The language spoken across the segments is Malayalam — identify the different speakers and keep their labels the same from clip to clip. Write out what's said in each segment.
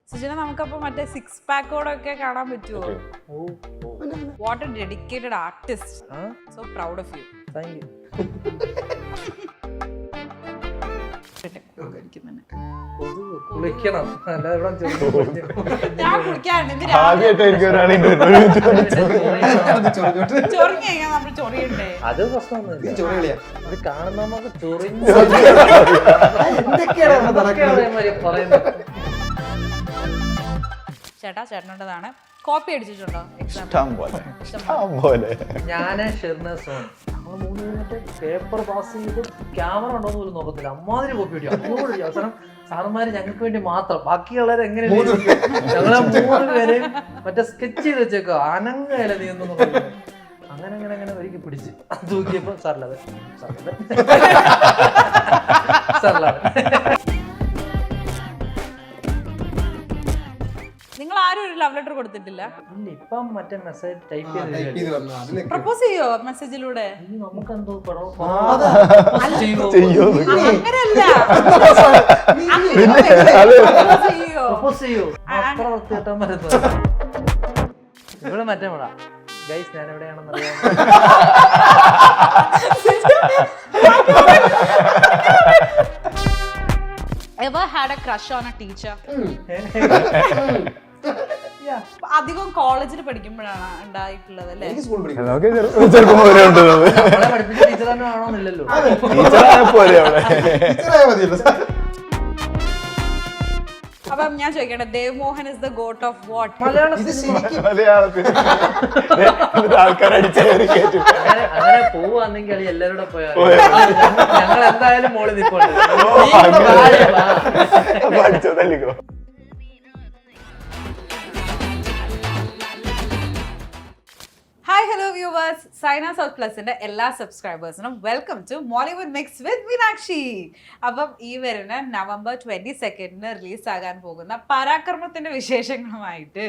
Speaker 1: സുജന നമുക്കപ്പോ മറ്റേ 6 പാക്കോടൊക്കെ കാണാൻ പറ്റുമോ? What a dedicated artist. So proud of you.
Speaker 2: Thank you. കുളിക്കണം, അല്ലാതെ
Speaker 1: ഞാൻ കുളിക്കാറുണ്ട്. നമ്മൾ ചൊറിയണ്ടേ?
Speaker 2: അത് പ്രശ്നമൊന്നുമില്ല. അത് കാണുന്ന നമുക്ക് ചൊറിഞ്ഞു
Speaker 1: ചേട്ടാ, ചേട്ടനുള്ളതാണ്. കോപ്പി അടിച്ചിട്ടുണ്ടോ?
Speaker 2: ഞാന് ഷെർണസോൺ പേപ്പർ പാസ് ചെയ്ത് ക്യാമറ ഉണ്ടോന്ന് പോലും നോക്കത്തില്ല. അമ്മാതിരി കോപ്പി അടിക്കും. അതിനോട് അവസാനം സാറന്മാര് ഞങ്ങൾക്ക് വേണ്ടി മാത്രം, ബാക്കിയുള്ളവരെ എങ്ങനെ ഞങ്ങളെ 3 പേരെയും മറ്റേ സ്കെച്ച് ചെയ്ത് വെച്ചേക്കോ, അനങ്ങല നീ ഒന്നും അങ്ങനെ അങ്ങനെ അങ്ങനെ ഒരിക്കൽ പിടിച്ച് തൂക്കിയപ്പോ സാറിലത്
Speaker 1: നിങ്ങൾ ആരും ഒരു ലവ് ലെറ്റർ കൊടുത്തിട്ടില്ല?
Speaker 2: ഇല്ല, ഇപ്പം മറ്റേ മെസ്സേജ് ടൈപ്പ് ചെയ്ത്
Speaker 1: പ്രപ്പോസ് ചെയ്യോ മെസ്സേജിലൂടെ?
Speaker 2: നമുക്കെന്തോ
Speaker 1: അങ്ങനെയല്ല,
Speaker 2: പ്രപ്പോസ് ചെയ്യോ? അത്ര വൃത്തികെട്ടാൻ വരുന്നത് ഇവിടെ മറ്റേ വിടാ. ഗൈസ്, ഞാൻ എവിടെയാണെന്ന് അറിയാം.
Speaker 1: Ever had a crush on a teacher? അധികം കോളേജിൽ പഠിക്കുമ്പോഴാണ് ഉണ്ടായിട്ടുള്ളത് അല്ലേ?
Speaker 2: പഠിപ്പിച്ച ടീച്ചർ തന്നെ ആണോന്നില്ലല്ലോ.
Speaker 1: അപ്പം ഞാൻ ചോദിക്കട്ടെ, Dev Mohan is the goat of what?
Speaker 2: അങ്ങനെ പോവാണെങ്കിൽ അത് എല്ലാവരുടെ പോയാൽ ഞങ്ങൾ എന്തായാലും മോളിൽ നിൽപ്പുണ്ട്.
Speaker 1: Hi, hello viewers. Saina South പ്ലസിന്റെ എല്ലാ സബ്സ്ക്രൈബേഴ്സിനും welcome to Mollywood mix with Meenakshi. അപ്പം ഈ വരുന്ന November 22 റിലീസ് ആകാൻ പോകുന്ന പരാക്രമത്തിന്റെ വിശേഷങ്ങളുമായിട്ട്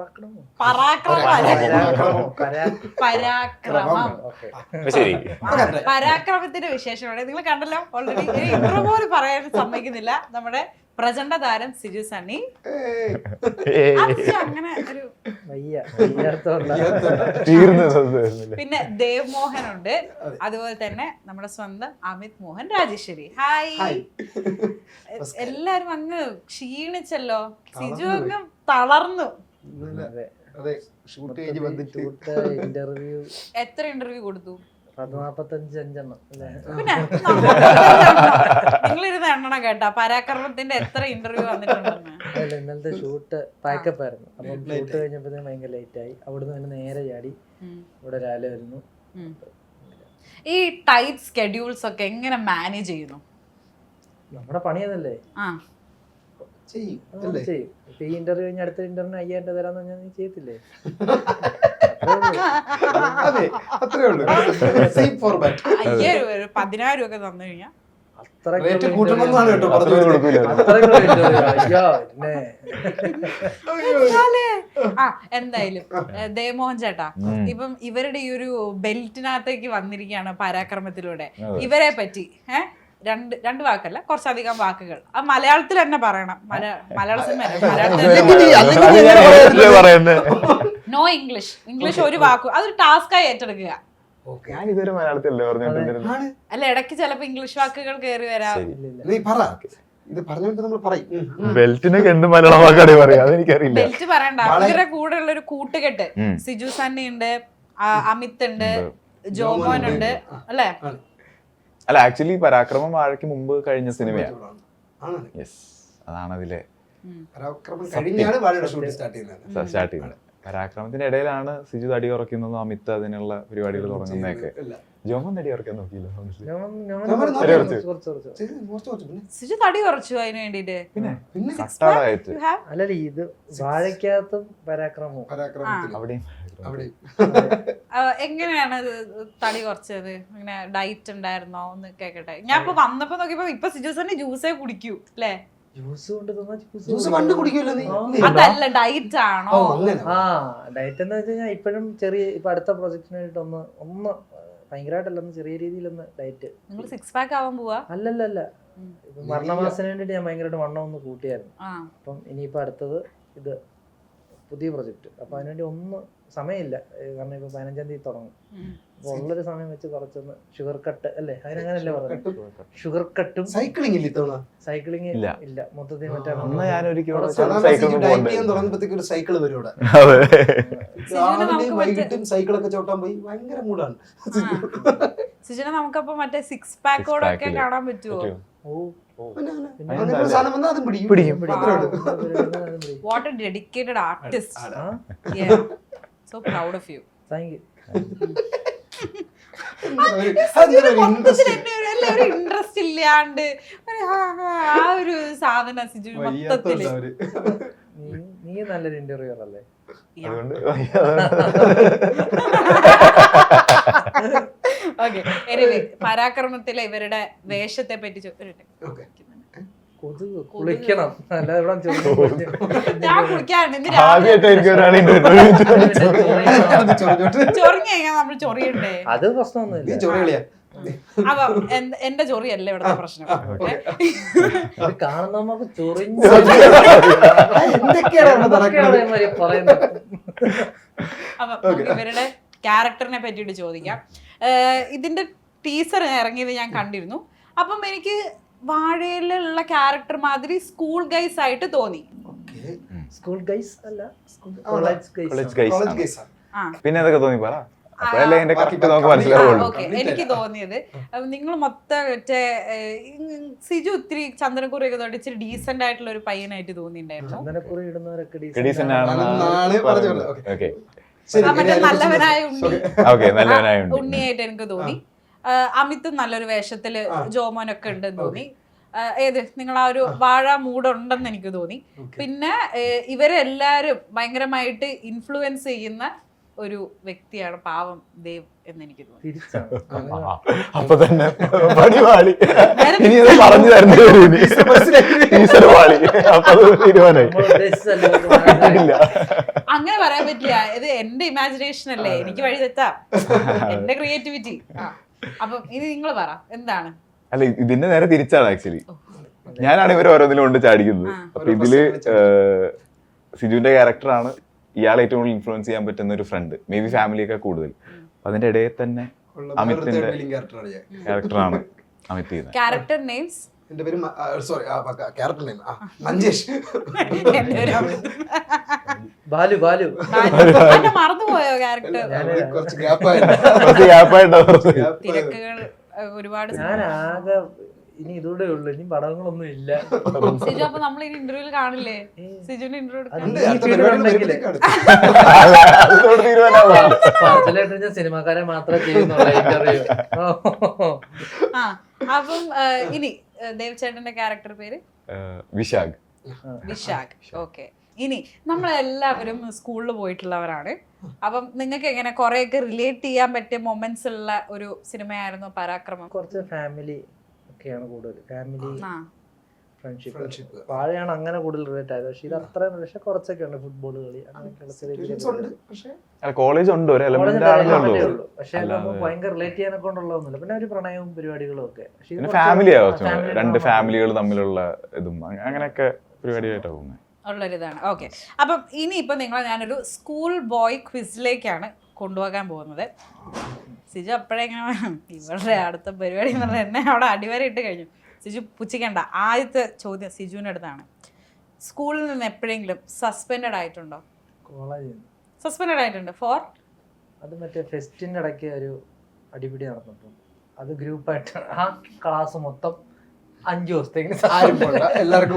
Speaker 1: പരാക്രമത്തിന്റെ വിശേഷങ്ങളോടെ നിങ്ങൾ കണ്ടല്ലോ ഓൾറെഡി. ഇൻട്രോ പോലും പറയാൻ സമ്മതിക്കുന്നില്ല നമ്മുടെ പ്രചണ്ഡ താരം സിജു സണ്ണി. അങ്ങനെ ഒരു പിന്നെ ദേവ് മോഹൻ ഉണ്ട്, അതുപോലെ തന്നെ നമ്മുടെ സ്വന്തം അമിത് മോഹൻ രാജേശ്വരി. ഹായ്. എല്ലാരും അങ്ങ് ക്ഷീണിച്ചല്ലോ. സിജു അങ്ങ് തളർന്നു.
Speaker 2: ഇന്റർവ്യൂ
Speaker 1: എത്ര ഇന്റർവ്യൂ കൊടുത്തു?
Speaker 2: 45
Speaker 1: പിന്നെ നിങ്ങളിരുന്ന് എണ്ണണം കേട്ടാ പരാക്രമത്തിന്റെ എത്ര ഇന്റർവ്യൂ വന്നിട്ടുണ്ടെന്ന്.
Speaker 2: അല്ല, ഇന്നലത്തെ ഷൂട്ട് പാക്കപ്പ് ആയിരുന്നു. അപ്പം ഷൂട്ട് കഴിഞ്ഞപ്പോഴത്തേക്കും ഭയങ്കര ലേറ്റ് ആയി. അവിടുന്ന് തന്നെ നേരെ ചാടി ഇവിടെ രാവിലെ വരുന്നു.
Speaker 1: ഈ ടൈറ്റ് സ്കെഡ്യൂൾസ് ഒക്കെ എങ്ങനെ മാനേജ് ചെയ്യുന്നു?
Speaker 2: നമ്മുടെ പണി അതല്ലേ, ചെയ്യും. ഇപ്പൊ ഈ ഇന്റർവ്യൂ കഴിഞ്ഞ അടുത്ത ഇന്റർവ്യൂ 5000 രൂപ തരാന്ന് പറഞ്ഞാൽ നീ ചെയ്യത്തില്ലേ?
Speaker 1: 1000 രൂപ ഒക്കെ തന്നു കഴിഞ്ഞാൽ എന്തായാലും ദേവമോഹൻ ചേട്ടാ, ഇപ്പം ഇവരുടെ ഈ ഒരു ബെൽറ്റിനകത്തേക്ക് വന്നിരിക്കുകയാണ് പരാക്രമത്തിലൂടെ. ഇവരെ പറ്റി രണ്ട് വാക്കല്ല, കുറച്ചധികം വാക്കുകൾ ആ മലയാളത്തിൽ തന്നെ പറയണം. മലയാള സിനിമ നോ ഇംഗ്ലീഷ് ഒരു വാക്കു. അതൊരു ടാസ്കായി ഏറ്റെടുക്കുക. അല്ല, ഇടയ്ക്ക് ചിലപ്പോ ഇംഗ്ലീഷ് വാക്കുകൾ കയറി വരാം. ബെൽറ്റ് പറയണ്ട. ഇവരുടെ കൂടെ ഉള്ള ഒരു കൂട്ടുകെട്ട് സിജു സണ്ണി ഉണ്ട്, അമിത് ഉണ്ട്, ജോമോൻ ഉണ്ട് അല്ലേ?
Speaker 3: അല്ല, ആക്ച്വലി പരാക്രമം വാഴയ്ക്ക് മുമ്പ് കഴിഞ്ഞ സിനിമയാണ്. അതാണ് അതിലെ സ്റ്റാർട്ട് ചെയ്യുന്നത്. പരാക്രമത്തിന്റെ ഇടയിലാണ് സിജു തടി ഉറക്കുന്നതും അമിത് അതിനുള്ള പരിപാടികൾ തുടങ്ങുന്നതൊക്കെ. ജോമൻ തടി ഉറക്കാൻ നോക്കിയില്ല.
Speaker 1: സിജു തടി കുറച്ചു അതിന് വേണ്ടിട്ട്.
Speaker 2: അല്ലല്ല, ഇത് വാഴയ്ക്കകത്തും പരാക്രമവും
Speaker 3: അവിടെയും.
Speaker 1: എങ്ങനെയാണ് തടി കുറച്ചത്? ഇങ്ങനെ ഡയറ്റ് ഉണ്ടായിരുന്നോ ഒന്ന് കേക്കട്ടെ. ഞാൻ ഇപ്പൊ വന്നപ്പോ നോക്കിയപ്പോ ഇപ്പൊ സിജു സണ്ണി ജ്യൂസേ കുടിക്കൂ അല്ലേ? അതല്ല, ഡയറ്റ് ആണോ?
Speaker 2: ഡയറ്റ് എന്ന് വെച്ച് കഴിഞ്ഞാൽ ഇപ്പോഴും ചെറിയ ഇപ്പൊ അടുത്ത പ്രൊജക്ടിന് വേണ്ടിട്ട് ഒന്ന് ഭയങ്കരമായിട്ടല്ലെന്ന് ചെറിയ രീതിയിലൊന്ന് ഡയറ്റ്.
Speaker 1: നിങ്ങൾ 6 പാക്ക് ആവാൻ പോവാ?
Speaker 2: അല്ലല്ല, ഇപ്പൊ മരണമാസത്തിന് വേണ്ടിട്ട് ഞാൻ ഭയങ്കരമായിട്ട് വണ്ണം ഒന്ന് കൂട്ടിയായിരുന്നു.
Speaker 1: ആ
Speaker 2: അപ്പം ഇനിയിപ്പോ അടുത്തത് ഇത് പുതിയ പ്രൊജക്ട്. അപ്പൊ അതിനുവേണ്ടി ഒന്നും സമയമില്ല, കാരണം ഇപ്പൊ 15-ാം തീയതി തുടങ്ങും. അപ്പൊ ഉള്ളൊരു സമയം വെച്ച് കുറച്ചൊന്ന് ഷുഗർ കട്ട് അല്ലേ, അതിനങ്ങനല്ലേ പറഞ്ഞത്, ഷുഗർ കട്ടും.
Speaker 4: സൈക്ലിംഗ് ഇല്ല ഇത്തവണ?
Speaker 2: സൈക്ലിംഗ് ഇല്ല മൊത്തത്തിൽ മറ്റേ
Speaker 3: അന്ന് ഞാനൊരിക്കലും
Speaker 4: ഡയറ്റ് ചെയ്യാൻ തുടങ്ങുമ്പോഴത്തേക്ക് ഒരു സൈക്കിള് വരും ഇവിടെ. രാവിലെയും വൈകിട്ടും സൈക്കിളൊക്കെ ചോട്ടാൻ പോയി ഭയങ്കര മൂടാണ്.
Speaker 1: സിജുന നമുക്കപ്പോ മറ്റേ 6 പാക്കോടൊക്കെ കാണാൻ പറ്റുമോ?
Speaker 4: സാധനം വന്നാൽ അതും പിടിക്കും.
Speaker 1: What a dedicated artist. So proud of you.
Speaker 2: Thank you.
Speaker 1: Interest ഇല്ലാണ്ട് ആ ഒരു സാധന സിജു മൊത്തത്തില്.
Speaker 2: നീ നല്ലൊരു ഇന്റർവ്യൂർ അല്ലേ?
Speaker 1: ഓക്കെ, എനിവേ പരാക്രമത്തിലെ ഇവരുടെ വേഷത്തെ പറ്റി
Speaker 2: കുളിക്കണം, അല്ലാതെ
Speaker 1: ഞാൻ കുളിക്കാറുണ്ട്. ചൊറിഞ്ഞ നമ്മൾ ചൊറിയണ്ടേ?
Speaker 2: അത് പ്രശ്നമൊന്നുമില്ല.
Speaker 1: അപ്പൊ എന്റെ ചൊറിയല്ല ഇവിടുത്തെ പ്രശ്നം.
Speaker 2: കാണുന്ന നമുക്ക് ചൊറിഞ്ഞ
Speaker 1: അപ്പൊ ഇവരുടെ ക്യാരക്ടറിനെ പറ്റിയിട്ട് ചോദിക്കാം. ഇതിന്റെ ടീസർ ഇറങ്ങിയത് ഞാൻ കണ്ടിരുന്നു. അപ്പം എനിക്ക് വാഴയിലുള്ള ക്യാരക്ടർ മാതിരി സ്കൂൾ ഗൈസ് ആയിട്ട് തോന്നി.
Speaker 2: സ്കൂൾ ഗൈസ് അല്ല,
Speaker 3: കോളേജ് ഗൈസ്. പിന്നെ എന്തൊക്കെ തോന്നി പറ.
Speaker 1: എനിക്ക് തോന്നിയത് നിങ്ങൾ മൊത്തം മറ്റേ സിജു ഒത്തിരി ചന്ദനക്കുറിയൊക്കെ തൊട്ട് ഇച്ചിരി ഡീസെന്റ് ആയിട്ടുള്ള ഒരു പയ്യനായിട്ട് തോന്നിയിട്ടുണ്ടായിരുന്നു.
Speaker 2: ചന്ദനക്കുറി ഇടുന്നവരൊക്കെ
Speaker 1: മറ്റേ നല്ലവനായ ഉണ്ണിയായിട്ട് എനിക്ക് തോന്നി. അമിതും നല്ലൊരു വേഷത്തില് ജോമോനൊക്കെ ഉണ്ടെന്ന് തോന്നി. ഏത് നിങ്ങൾ ആ ഒരു വാഴ മൂടുണ്ടെന്ന് എനിക്ക് തോന്നി. പിന്നെ ഇവരെല്ലാരും ഭയങ്കരമായിട്ട് ഇൻഫ്ലുവൻസ് ചെയ്യുന്ന ഒരു വ്യക്തിയാണ് പാവം ദേവ് എന്ന് എനിക്ക് തോന്നി.
Speaker 3: അപ്പൊ തന്നെ പറഞ്ഞു
Speaker 1: അങ്ങനെ പറയാൻ പറ്റില്ല. ഇത് എന്റെ ഇമാജിനേഷൻ അല്ലേ, എനിക്ക് വഴി തെറ്റാം, എന്റെ ക്രിയേറ്റിവിറ്റി. അപ്പൊ ഇനി നിങ്ങൾ പറ എന്താണ്?
Speaker 3: അല്ല, ഇതിന്റെ നേരെ തിരിച്ചാണ് ആക്ച്വലി. ഞാനാണ് ഇവർ ഓരോന്നിലും കൊണ്ട് ചാടിക്കുന്നത്. അപ്പൊ ഇതില് സിജുവിന്റെ ക്യാരക്ടറാണ് ഇയാളെ ഏറ്റവും കൂടുതൽ ഇൻഫ്ലുവൻസ് ചെയ്യാൻ പറ്റുന്ന ഒരു ഫ്രണ്ട്, മേ ബി ഫാമിലിയൊക്കെ കൂടുതൽ. അതിന്റെ ഇടയിൽ തന്നെ അമിത്തിന്റെ ക്യാരക്ടറാണ് അമിത് ചെയ്യുന്നത്.
Speaker 1: ക്യാരക്ടർ നെയിംസ്
Speaker 4: എന്റെ പേര് sorry character name Manjesh.
Speaker 2: Balu
Speaker 1: മറന്നുപോയോ ക്യാരക്ടർ?
Speaker 4: കുറച്ച് ഗ്യാപ്പായിട്ടോ
Speaker 1: തിരക്കുകൾ ഒരുപാട്.
Speaker 2: ഞാൻ ആകെ ഇനി ഇതൂടെ ഉള്ളു, ഇനി പടങ്ങളൊന്നും ഇല്ല.
Speaker 1: സിജു അപ്പൊ നമ്മൾ ഇനി ഇന്റർവ്യൂല് കാണില്ലേ? സിജുവിന്റെ ഇന്റർവ്യൂ
Speaker 2: ഞാൻ സിനിമാക്കാരെ മാത്രമേ ചെയ്യുന്നുള്ളൂ ഇന്റർവ്യൂ.
Speaker 1: അപ്പം ഇനി ദേവ് ചേട്ടന്റെ ക്യാരക്ടർ പേര്
Speaker 3: വിശാഖ്.
Speaker 1: ഓക്കെ. ഇനി നമ്മളെല്ലാവരും സ്കൂളിൽ പോയിട്ടുള്ളവരാണ്. അപ്പം നിങ്ങൾക്ക് എങ്ങനെ കുറെയൊക്കെ റിലേറ്റ് ചെയ്യാൻ പറ്റിയ മൊമെന്റ്സ് ഉള്ള ഒരു സിനിമയായിരുന്നു പരാക്രമം?
Speaker 2: കുറച്ച് ഫാമിലി ഒക്കെയാണ് കൂടുതൽ, ഫാമിലി ഫ്രണ്ട്ഷിപ്പ്. വാഴയാണ് അങ്ങനെ കൂടുതൽ റിലേറ്റ് ആയത്. പക്ഷെ ഇത് അത്രയും, പക്ഷെ കുറച്ചൊക്കെ ഉണ്ട്, ഫുട്ബോൾ കളി അങ്ങനെയൊക്കെയുള്ള
Speaker 3: കോളേജ് ഉണ്ട്,
Speaker 2: പക്ഷെ ഭയങ്കര റിലേറ്റ് ചെയ്യാനൊക്കെ കൊണ്ടുള്ളതൊന്നുമില്ല. പിന്നെ ഒരു പ്രണയവും പരിപാടികളും ഒക്കെ.
Speaker 3: ഫാമിലി രണ്ട് ഫാമിലികൾ തമ്മിലുള്ള ഇതും അങ്ങനെയൊക്കെ പരിപാടിയായിട്ടാണ് പോകുന്നത്
Speaker 1: ഉള്ളൊരിതാണ്. ഓക്കെ. അപ്പം ഇനിയിപ്പോൾ നിങ്ങളെ ഞാനൊരു സ്കൂൾ ബോയ് ക്വിസിലേക്കാണ് കൊണ്ടുപോകാൻ പോകുന്നത്. സിജു അപ്പോഴെങ്ങനെ ഇവരുടെ അടുത്ത പരിപാടി എന്ന് പറഞ്ഞാൽ എന്നെ അവിടെ അടിവരെ ഇട്ട് കഴിഞ്ഞു. സിജു പുച്ഛിക്കേണ്ട. ആദ്യത്തെ ചോദ്യം സിജുവിൻ്റെ അടുത്താണ്. സ്കൂളിൽ നിന്ന് എപ്പോഴെങ്കിലും സസ്പെൻഡഡ് ആയിട്ടുണ്ടോ? സസ്പെൻഡഡ് ആയിട്ടുണ്ട് ഫോർ?
Speaker 2: അത് മറ്റേ ഫെസ്റ്റിൻ്റെ ഇടയ്ക്ക് ഒരു അടിപിടി നടന്നിട്ടുണ്ട്. അത് ഗ്രൂപ്പായിട്ട് ആ ക്ലാസ് മൊത്തം 5 ദിവസത്തേക്ക്
Speaker 4: എല്ലാവർക്കും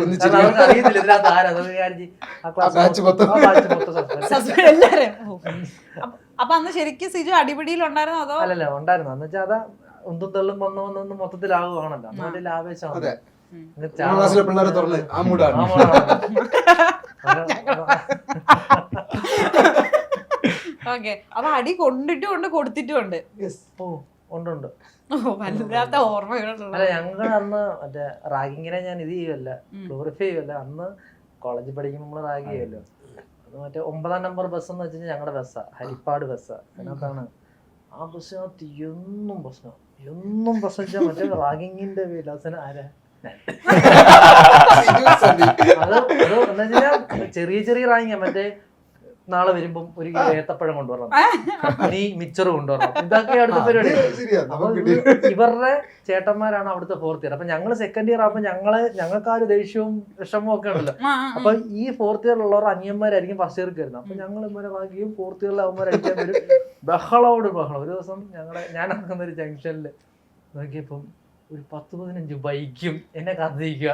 Speaker 1: അപ്പൊ അന്ന് ശരിക്കും സിജു അടിപിടിയിൽ ഉണ്ടായിരുന്നോ അതോ?
Speaker 2: അല്ലല്ല, ഉണ്ടായിരുന്നു. എന്ന് വെച്ചാൽ അതാ ഒന്നും തള്ളും വന്ന് മൊത്തത്തിലാകുവാണല്ലോ. അന്നൊരു ആവേശമാണ്.
Speaker 1: ഓക്കെ. അപ്പൊ അടി കൊണ്ടിട്ടുമുണ്ട് കൊടുത്തിട്ടുമുണ്ട്.
Speaker 2: ഉണ്ട്.
Speaker 1: വല്ലാത്ത ഓർമ്മകളുള്ള.
Speaker 2: അല്ല, ഞങ്ങൾ അന്ന് മറ്റേ റാഗിങ്ങിനെ ഞാൻ ഇത് ചെയ്യുമല്ല, ഗ്ലോറിഫൈ ചെയ്യുമല്ല. അന്ന് കോളേജിൽ പഠിക്കുമ്പോൾ നമ്മള് റാഗ് ചെയ്യുമല്ലോ. അത് മറ്റേ 9ാം നമ്പർ ബസ് എന്ന് വെച്ചാൽ ഞങ്ങളുടെ ബസ്സാ, ഹരിപ്പാട് ബസ്സാ. അതിനകത്താണ് ആ ബസ്സിനകത്ത് എന്നും പ്രശ്നം വെച്ചാൽ മറ്റേ റാഗിങ്ങിന്റെ വിലാസന ആരാ അത് എന്താ വെച്ചാൽ ചെറിയ ചെറിയ റാങ്കിങ് മറ്റേ നാളെ വരുമ്പം ഒരു കിലോ ഏത്തപ്പഴം കൊണ്ടുവരണം, നീ മിച്ചർ കൊണ്ടുവരണം, ഇതൊക്കെ അടുത്ത പരിപാടി. അപ്പൊ ഇവരുടെ ചേട്ടന്മാരാണ് അവിടുത്തെ 4th ഇയർ. അപ്പൊ ഞങ്ങള് 2nd ഇയർ ആകുമ്പോ ഞങ്ങൾക്ക് ആ ഒരു ദേഷ്യവും വിഷമവും ഒക്കെ ഉണ്ടല്ലോ. അപ്പൊ ഈ 4th ഇയറിലുള്ളവർ അനിയന്മാരായിരിക്കും 1st ഇയർക്ക് വരുന്നത്. അപ്പൊ ഞങ്ങൾ ഇവരെ ബാക്കിയും 4th ഇയറിൽ അവന്മാരടിക്കാൻ വരും. ബഹളോട് ബഹളം. ഒരു ദിവസം ഞാൻ നടക്കുന്ന ഒരു ജംഗ്ഷനിൽ നോക്കിയപ്പം ഒരു 10-15 ബൈക്കും എന്നെ കത്തിക്കുക.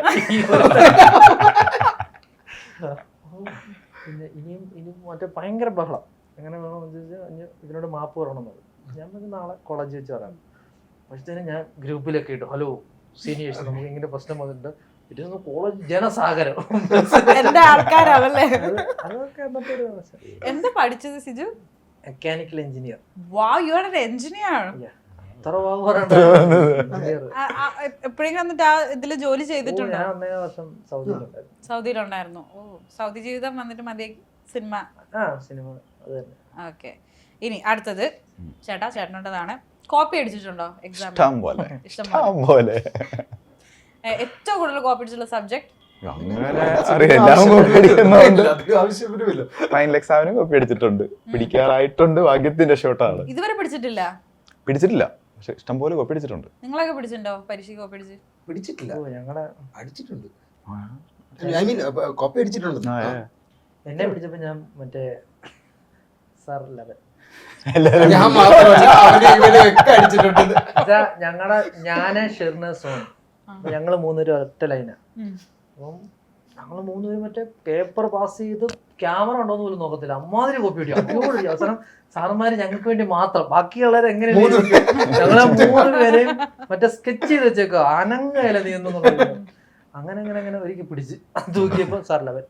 Speaker 2: പിന്നെ ഇനിയും മറ്റേ ഭയങ്കര ബഹളം. എങ്ങനെ വേണമെന്ന് ചോദിച്ചാൽ ഇതിനോട് മാപ്പ് പറയണമെന്നത്. ഞാൻ പറഞ്ഞ നാളെ കോളേജ് വെച്ച് പറയാം. പക്ഷേ ഞാൻ ഗ്രൂപ്പിലൊക്കെ ഇട്ടു, ഹലോ സീനിയേഴ്സ്, നമുക്ക് ഇങ്ങനെ പ്രശ്നം വന്നിട്ടുണ്ട്, ഇതൊന്ന് കോളേജ് ജനസാഗരം.
Speaker 1: എന്റെ ആൾക്കാരാണല്ലേ.
Speaker 2: അതൊക്കെ എന്നത്തെ ഒരു
Speaker 1: എന്താ പഠിച്ചത് Siju?
Speaker 2: Mechanical engineer.
Speaker 1: Wow, you are an engineer.
Speaker 2: എത്ര വാഗ് പറയണ്ട.
Speaker 1: എപ്പോഴെങ്കിലും എന്നിട്ട് ആ ഇതില് ജോലി ചെയ്തിട്ടുണ്ടോ?
Speaker 2: ഞാൻ 1 വർഷം സൗദിയിലുണ്ടായിരുന്നു.
Speaker 1: സൗദിയിലുണ്ടായിരുന്നു. ഓ, സൗദി ജീവിതം വന്നിട്ട് മതി സിനിമ.
Speaker 2: സിനിമ അത് തന്നെ.
Speaker 1: ഓക്കെ, ഇനി അടുത്തത് ചേട്ടനുള്ളതാണ്. Copy അടിച്ചിട്ടുണ്ടോ exam?
Speaker 3: ഇഷ്ടം പോലെ.
Speaker 1: ഏറ്റവും കൂടുതൽ കോപ്പി അടിച്ചിട്ടുള്ള സബ്ജക്ട്?
Speaker 3: അങ്ങനെ അറിയാം, കോപ്പി അടിക്കുന്നുണ്ട്.
Speaker 4: ആവശ്യപ്പെടുമില്ല.
Speaker 3: ഫൈനൽ എക്സാമിനും കോപ്പി അടിച്ചിട്ടുണ്ട്, പിടിക്കാറായിട്ടുണ്ട്. ഭാഗ്യത്തിന്റെ ഷോട്ടാണ്.
Speaker 1: ഇതുവരെ പിടിച്ചിട്ടില്ല?
Speaker 3: പിടിച്ചിട്ടില്ല, പക്ഷെ ഇഷ്ടം പോലെ കോപ്പി അടിച്ചിട്ടുണ്ട്.
Speaker 1: നിങ്ങളൊക്കെ പിടിച്ചിട്ടുണ്ടോ പരീക്ഷയ്ക്ക് കോപ്പി അടിച്ച്?
Speaker 4: പിടിച്ചിട്ടില്ല,
Speaker 2: ഞങ്ങളെ
Speaker 4: അടിച്ചിട്ടുണ്ട്. ഐ മീൻ കോപ്പി അടിച്ചിട്ടുണ്ട്.
Speaker 2: എന്നെ പിടിച്ചപ്പോ ഞാൻ മറ്റേ സാർ 11
Speaker 4: ഞാൻ മാത്രമല്ല, ഇവരൊക്കെ അടിച്ചിട്ടുണ്ട്.
Speaker 2: ഞാന് ഷെർന സോൺ, ഞങ്ങള് 3 പേരും ഒറ്റ ലൈനാ. അപ്പം ഞങ്ങള് 3 പേരും മറ്റേ പേപ്പർ പാസ് ചെയ്ത് ക്യാമറ ഉണ്ടോന്ന് പോലും നോക്കത്തില്ല, അമ്മാതിരി കോപ്പി അടിക്കും. അവസാനം സാറന്മാര് ഞങ്ങൾക്ക് വേണ്ടി മാത്രം, ബാക്കിയുള്ളവരെ എങ്ങനെ ഞങ്ങളെ 3 പേരെയും മറ്റേ സ്കെച്ച് ചെയ്ത് വെച്ചേക്കോ, അനങ്ങല നീ എന്നു. അങ്ങനെ ഒരിക്കൽ പിടിച്ച് തൂക്കിയപ്പോ സാർ 11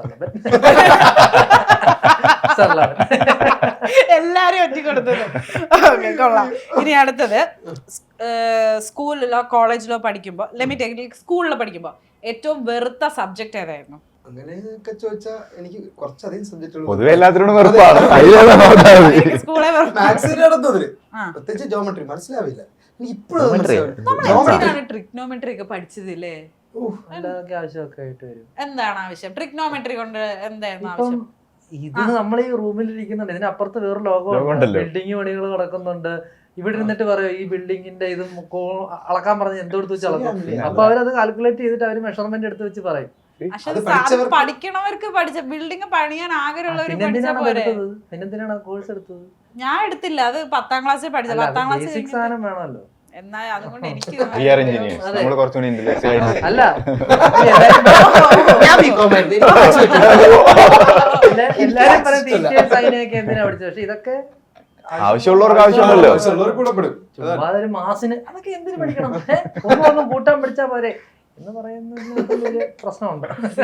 Speaker 1: എല്ലാരും ഒറ്റ കൊടുത്തത്. ഓക്കെ, കൊള്ളാം. ഇനി അടുത്തത്, സ്കൂളിലോ കോളേജിലോ പഠിക്കുമ്പോ, സ്കൂളിലോ പഠിക്കുമ്പോ ഏറ്റവും വെറുത്ത സബ്ജക്ട് ഏതായിരുന്നു?
Speaker 4: അങ്ങനെയൊക്കെ ചോദിച്ചാൽ എനിക്ക് കുറച്ചധികം സബ്ജക്റ്റുകൾ
Speaker 3: പൊതുവെ എല്ലാത്തിനോടും വെറുപ്പാണ്.
Speaker 4: മാത്സിന്റെ നടന്നതില് പ്രത്യേകിച്ച് ജോമെട്രി മനസ്സിലാവില്ല. എനിക്ക് ഇപ്പോഴും
Speaker 1: ട്രിഗ്നോമെട്രി ഒക്കെ പഠിച്ചതില്ലേ?
Speaker 2: ആവശ്യമൊക്കെ ആയിട്ട് വരും.
Speaker 1: എന്താണ് ആവശ്യം ട്രിഗ്നോമെട്രി കൊണ്ട്? എന്തായിരുന്നു
Speaker 2: ഇപ്പം
Speaker 1: ആവശ്യം?
Speaker 2: ഇത് നമ്മൾ ഈ റൂമിലിരിക്കുന്നുണ്ട്, ഇതിനപ്പുറത്ത് വേറെ ലോകമുണ്ട്, ബിൽഡിംഗ് പണികൾ നടക്കുന്നുണ്ട്. ഇവിടെ ഇരുന്നിട്ട് പറയും ഈ ബിൽഡിങ്ങിന്റെ ഇത് അളക്കാൻ പറഞ്ഞ് എന്തെടുത്ത് വെച്ച് അളക്കും. അപ്പൊ അവരത് കാൽക്കുലേറ്റ് ചെയ്തിട്ട് അവര് മെഷർമെന്റ് എടുത്ത് വെച്ച് പറയും.
Speaker 1: പഠിക്കണവർക്ക് പഠിച്ച ബിൽഡിംഗ് പണിയാൻ ആഗ്രഹമുള്ളവർ
Speaker 2: പിന്നെന്തിനാണ് കോഴ്സ് എടുത്തത്?
Speaker 1: ഞാൻ എടുത്തില്ല, അത് 10ാം ക്ലാസ്സിൽ പഠിച്ചത്. 10ാം ക്ലാസ്സിൽ
Speaker 2: സാധനം വേണമല്ലോ.
Speaker 1: എന്നാൽ അതുകൊണ്ട് എനിക്ക്
Speaker 2: അല്ല എല്ലാരും പറയും ടീച്ചേഴ്സ് അതിനെയൊക്കെ എന്തിനാ പഠിച്ചത്, പക്ഷെ ഇതൊക്കെ
Speaker 3: ആവശ്യമുള്ളവർക്ക് ആവശ്യമുണ്ടല്ലോ.
Speaker 2: ചുമ്മാ ഒരു മാസിന് അതൊക്കെ എന്തിനു പഠിക്കണം, ഒന്നും കൂട്ടാൻ പഠിച്ചാ പോരെ എന്ന് പറയുന്നത് വലിയ പ്രശ്നമുണ്ട്.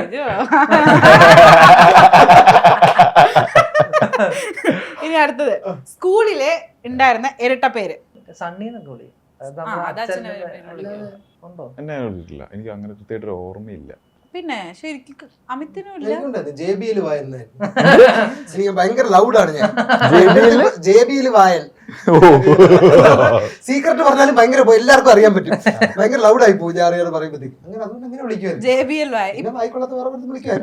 Speaker 1: ഇനി അടുത്തത്, സ്കൂളിലെ ഉണ്ടായിരുന്ന ഇരട്ട പേര്.
Speaker 2: സണ്ണീന്നൊക്കെ വിളി ഉണ്ടോ?
Speaker 3: എന്നെ വിളിച്ചിട്ടില്ല, എനിക്ക് അങ്ങനെ കൃത്യമായിട്ട് ഓർമ്മയില്ല.
Speaker 1: പിന്നെ ശരിക്കും അമിത്തിനും ഇല്ല.
Speaker 4: JBL വായൻ എനിക്ക് ഭയങ്കര ലൗഡാണ് ഞാൻ. JBL വായൻ സീക്രട്ട് പറഞ്ഞാലും ഭയങ്കര എല്ലാവർക്കും അറിയാൻ പറ്റും. ഭയങ്കര ലൗഡായി പോകും ഞാൻ അറിയാതെ പറയുമ്പോഴത്തേക്ക്. അങ്ങനെ അതുകൊണ്ട് അങ്ങനെ വിളിക്കുവാൻ
Speaker 1: JBL വായൻ
Speaker 4: വായിക്കൊള്ളാത്ത വേറെ വിളിക്കാൻ.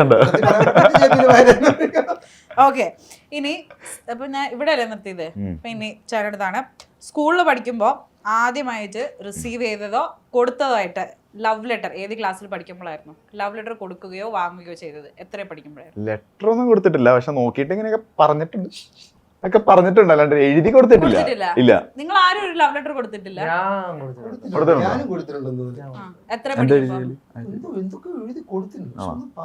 Speaker 1: ഓക്കെ, ഇനി അപ്പൊ ഞാൻ ഇവിടെ അല്ലേ നിർത്തിയത്. അപ്പൊ ഇനി ചേട്ടടുത്താണ്, സ്കൂളിൽ പഠിക്കുമ്പോ ആദ്യമായിട്ട് റിസീവ് ചെയ്തതോ കൊടുത്തതോ ആയിട്ട് ലവ് ലെറ്റർ ഏത് ക്ലാസ്സിൽ പഠിക്കുമ്പോഴായിരുന്നു ലവ് ലെറ്റർ കൊടുക്കുകയോ വാങ്ങുകയോ ചെയ്തത്? എത്ര പഠിക്കുമ്പോഴായിരുന്നു?
Speaker 3: ലെറ്റർ ഒന്നും കൊടുത്തിട്ടില്ല, പക്ഷെ നോക്കിയിട്ട് ഇങ്ങനെയൊക്കെ പറഞ്ഞിട്ടുണ്ട്, ഒക്കെ പറഞ്ഞിട്ടുണ്ട്, അല്ലാണ്ട് എഴുതി കൊടുത്തിട്ടില്ല. ഇല്ല.
Speaker 1: നിങ്ങൾ ആരും ഒരു ലവ് ലെറ്റർ കൊടുത്തിട്ടില്ല?
Speaker 4: ഞാനും കൊടുത്തിട്ടുണ്ടെന്ന്.
Speaker 1: എത്ര പഠിക്കുമ്പോ?
Speaker 4: എന്തൊക്കെ എഴുതി കൊടുത്തിട്ടുണ്ട്,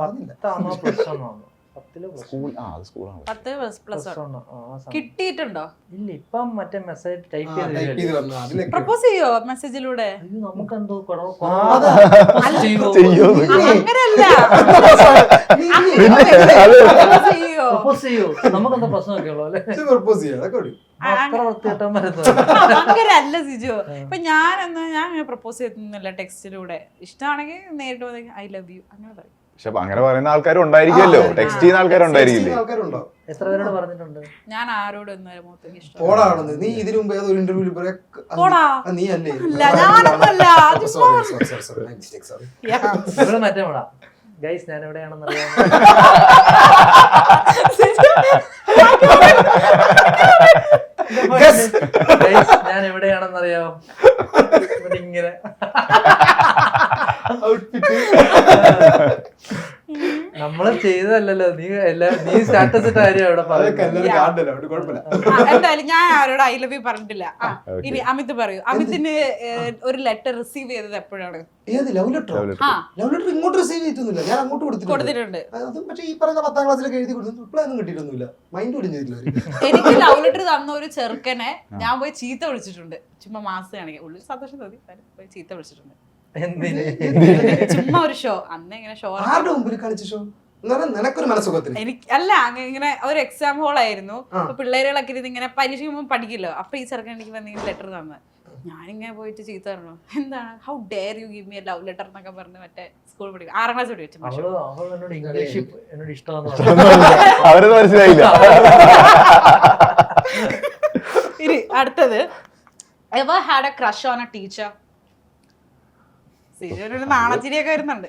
Speaker 1: കിട്ടിയിട്ടുണ്ടോ?
Speaker 2: ഇല്ല, ഇപ്പം മറ്റേ മെസ്സേജ് ടൈപ്പ് ചെയ്ത്
Speaker 1: പ്രപ്പോസ് ചെയ്യോ മെസ്സേജിലൂടെ?
Speaker 2: നമുക്കെന്തോ
Speaker 1: അങ്ങനല്ല,
Speaker 2: പ്രപ്പോസ് ചെയ്യോ, നമുക്കെന്തോ പ്രശ്നമൊക്കെ ഉള്ളു അല്ലെ?
Speaker 1: അങ്ങനല്ല സിജു. ഇപ്പൊ ഞാൻ പ്രപ്പോസ് ചെയ്തില്ല, ടെക്സ്റ്റിലൂടെ. ഇഷ്ടമാണെങ്കിൽ നേരിട്ട് ഐ ലവ് യു അങ്ങനെ പറയും.
Speaker 3: പക്ഷെ അങ്ങനെ പറയുന്ന ആൾക്കാരും ഉണ്ടായിരിക്കുമല്ലോ, ടെക്സ്റ്റ് ചെയ്യുന്ന ആൾക്കാരുണ്ടായിരിക്കില്ലേ?
Speaker 2: എത്ര പേരോട് പറഞ്ഞിട്ടുണ്ട്?
Speaker 1: ഞാൻ ആരോടും ഇന്നുവരെ മുഖത്തേക്ക് ഇഷ്ടം
Speaker 4: പോടാണെന്ന് നീ ഇതിനു മുമ്പ് ഏതോ ഒരു ഇന്റർവ്യൂവിൽ
Speaker 1: പോടാ.
Speaker 4: നീ അല്ലേ
Speaker 1: അല്ല, ഞാനൊന്നുമല്ല.
Speaker 4: Sorry
Speaker 1: Yeah.
Speaker 2: ഇവിടെ മറ്റേ മോളാ. ഗൈസ് ഞാൻ എവിടെയാണെന്ന് അറിയാം. ഞാൻ എവിടെയാണെന്ന് അറിയാമോ? ഇങ്ങനെ നമ്മള് ചെയ്തതല്ലല്ലോ. നീ സ്റ്റാറ്റസ് ഇട്ട കാര്യം അവിടെ
Speaker 1: എന്തായാലും ഞാൻ ആരോട് ഐ ലവ് യു പറഞ്ഞിട്ടില്ല. ഇനി അമിത് പറയൂ. അമിതിന് ഒരു ലെറ്റർ റിസീവ് ചെയ്തത് എപ്പോഴാണ്?
Speaker 4: ഏത് ലവ് ലെറ്റർ? ലവ് ലെറ്റർ ഇങ്ങോട്ട് റിസീവ് ചെയ്തിട്ടൊന്നുമില്ല, ഞാൻ അങ്ങോട്ട്
Speaker 1: കൊടുത്തിട്ടുണ്ട്.
Speaker 4: അതും പക്ഷേ ഈ പറയുന്ന 10ാം ക്ലാസ്സിലൊക്കെ എഴുതി കൊടുത്തു, റിപ്ലൈ ഒന്നും കിട്ടിയിട്ടൊന്നുമില്ല. മൈൻഡ് പോലും ചെയ്തില്ല അവര്.
Speaker 1: എനിക്ക് ലവ് ലെറ്റർ തന്ന ഒരു ചെറുക്കനെ ഞാൻ പോയി ചീത്ത വിളിച്ചിട്ടുണ്ട്. ചുമ്മാ മാസം കാണിക്കാൻ ഉള്ളിൽ സന്തോഷം തോന്നി, പോയി ചീത്ത വിളിച്ചിട്ടുണ്ട്.
Speaker 2: എന്തിന്?
Speaker 1: ചുമ്മാ ഒരു ഷോ, അന്ന് ഇങ്ങനെ ഷോ
Speaker 4: ആരുടെ മുമ്പിൽ കാണിച്ച ഷോ? നിനക്കൊരു മനസ്സുഖത്തിന്
Speaker 1: എനിക്ക് അല്ല, ഇങ്ങനെ ഒരു എക്സാം ഹോൾ ആയിരുന്നു. അപ്പൊ പിള്ളേരുകളൊക്കെ ഇരുന്ന് ഇങ്ങനെ പരീക്ഷ പഠിക്കില്ലോ. അപ്പൊ ഈ ചെറുക്കൻ എനിക്ക് എന്തെങ്കിലും ലെറ്റർ തന്നു. ഞാനിങ്ങനെ പോയിട്ട് ചീത്ത പറഞ്ഞു, എന്താണ് how dare you give me a love letter എന്നൊക്കെ പറഞ്ഞ് മറ്റേ സ്കൂൾ പഠിക്കും 6ാം ക്ലാസ് പഠിച്ചു.
Speaker 2: എന്നോട് ഇംഗ്ലീഷ് എന്നോട് ഇഷ്ടമാണെന്ന്
Speaker 3: അവരത് മനസ്സിലായില്ല.
Speaker 1: ഇനി അടുത്തത്, ever had a crush on a teacher? സിജുവിനൊരു നാണച്ചിരിയൊക്കെ വരുന്നുണ്ട്.